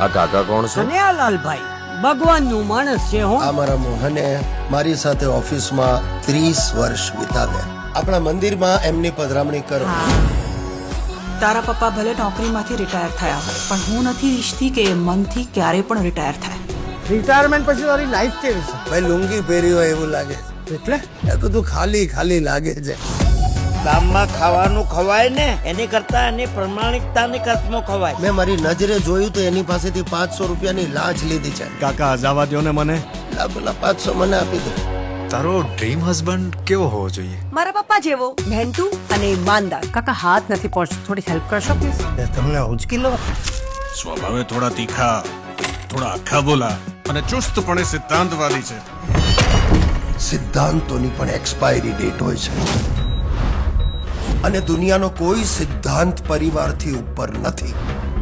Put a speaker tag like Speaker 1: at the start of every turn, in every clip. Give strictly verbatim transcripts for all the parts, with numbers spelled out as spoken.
Speaker 1: આ કાકા કોણ છે?
Speaker 2: કનૈયાલાલભાઈ ભગવાનનું માણસ છે. હું
Speaker 3: આ મારા મોહને મારી સાથે ઓફિસમાં ત્રીસ વર્ષ વિતાવ્યા. આપણા મંદિરમાં એમની પધરામણી કરો.
Speaker 4: તારા પપ્પા ભલે નોકરીમાંથી રિટાયર થયા હોય, પણ હું નથી ઈચ્છતી કે એ મનથી ક્યારેય પણ રિટાયર થાય.
Speaker 2: રિટાયરમેન્ટ પછી તારી લાઈફ કેવી છે?
Speaker 3: ભાઈ લુંગી પહેરી હોય એવું લાગે.
Speaker 2: એટલે
Speaker 3: એ તો તું ખાલી ખાલી લાગે છે.
Speaker 5: ગામમાં ખાવાનું ખવાય ને એની કરતા એની પ્રમાણિકતાની કસમો ખવાય.
Speaker 3: મેં મારી નજરે જોયું તો એની પાસેથી પાંચસો રૂપિયાની લાંચ લીધી છે.
Speaker 6: કાકા જવા દો ને મને.
Speaker 3: લા બોલા પાંચસો મને આપી દો.
Speaker 6: તારો ડ્રીમ હસબન્ડ કેવો હોવો જોઈએ?
Speaker 7: મારા પપ્પા જેવો મહેનતુ અને ઈમાનદાર.
Speaker 2: કાકા હાથ નથી પહોંચતો, થોડી હેલ્પ કરશો પ્લીઝ?
Speaker 3: તમને ઉચકી લો.
Speaker 6: સ્વભાવે થોડા તીખા, થોડા આખા બોલા અને ચુસ્તપણે સિદ્ધાંતવાદી છે.
Speaker 3: સિદ્ધાંતોની પણ એક્સપાયરી ડેટ હોય છે અને દુનિયાનો કોઈ સિદ્ધાંત પરિવારથી ઉપર નથી.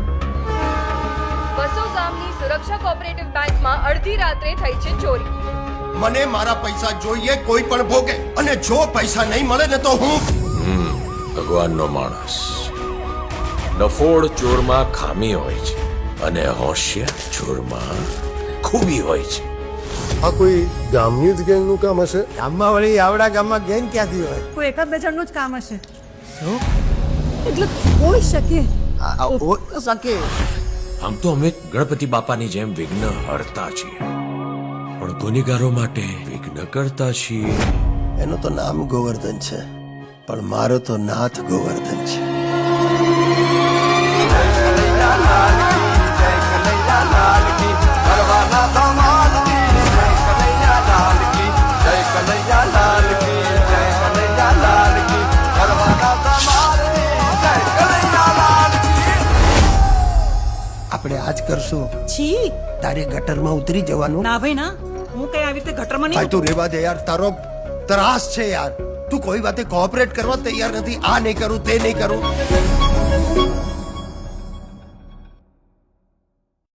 Speaker 8: બસો ગામની સુરક્ષા કોઓપરેટિવ બેંકમાં અડધી રાત્રે થઈ છે ચોરી.
Speaker 3: મને મારા પૈસા જોઈએ, કોઈ પણ ભોગે. અને જો પૈસા નહીં મળે ને તો હું
Speaker 1: ભગવાનનો માણસ. ડફોડ ચોરમાં ખામી હોય છે અને હોશિયાર ચોરમાં ખૂબી હોય છે.
Speaker 3: આ કોઈ ગામની જ ગેંગનું કામ હશે?
Speaker 2: ગામમાં વળી આવડા ગામમાં ગેંગ ક્યાંથી હોય?
Speaker 7: કોઈ એકાદ બે જણનું જ કામ હશે. એટલે કોઈ શકે.
Speaker 2: શકે.
Speaker 1: આમ તો અમે ગણપતિ બાપાની જેમ વિઘ્ન હરતા છીએ, પણ ગુનેગારો માટે વિઘ્ન કરતા છીએ.
Speaker 3: એનું તો નામ ગોવર્ધન છે, પણ મારો તો નાથ ગોવર્ધન છે. આપણે આજ કરશું.
Speaker 4: છી
Speaker 3: તારે ગટરમાં ઉતરી જવાનું.
Speaker 4: ના ભાઈ ના, હું કઈ આવી રીતે ગટરમાં
Speaker 3: ભાઈ
Speaker 4: નહીં.
Speaker 3: તું રેવા દે યાર, તારો ત્રાસ છે યાર. તું કોઈ વાતે કોઓપરેટ કરવા તૈયાર નથી. આ નહીં કરું, તે નહીં કરું.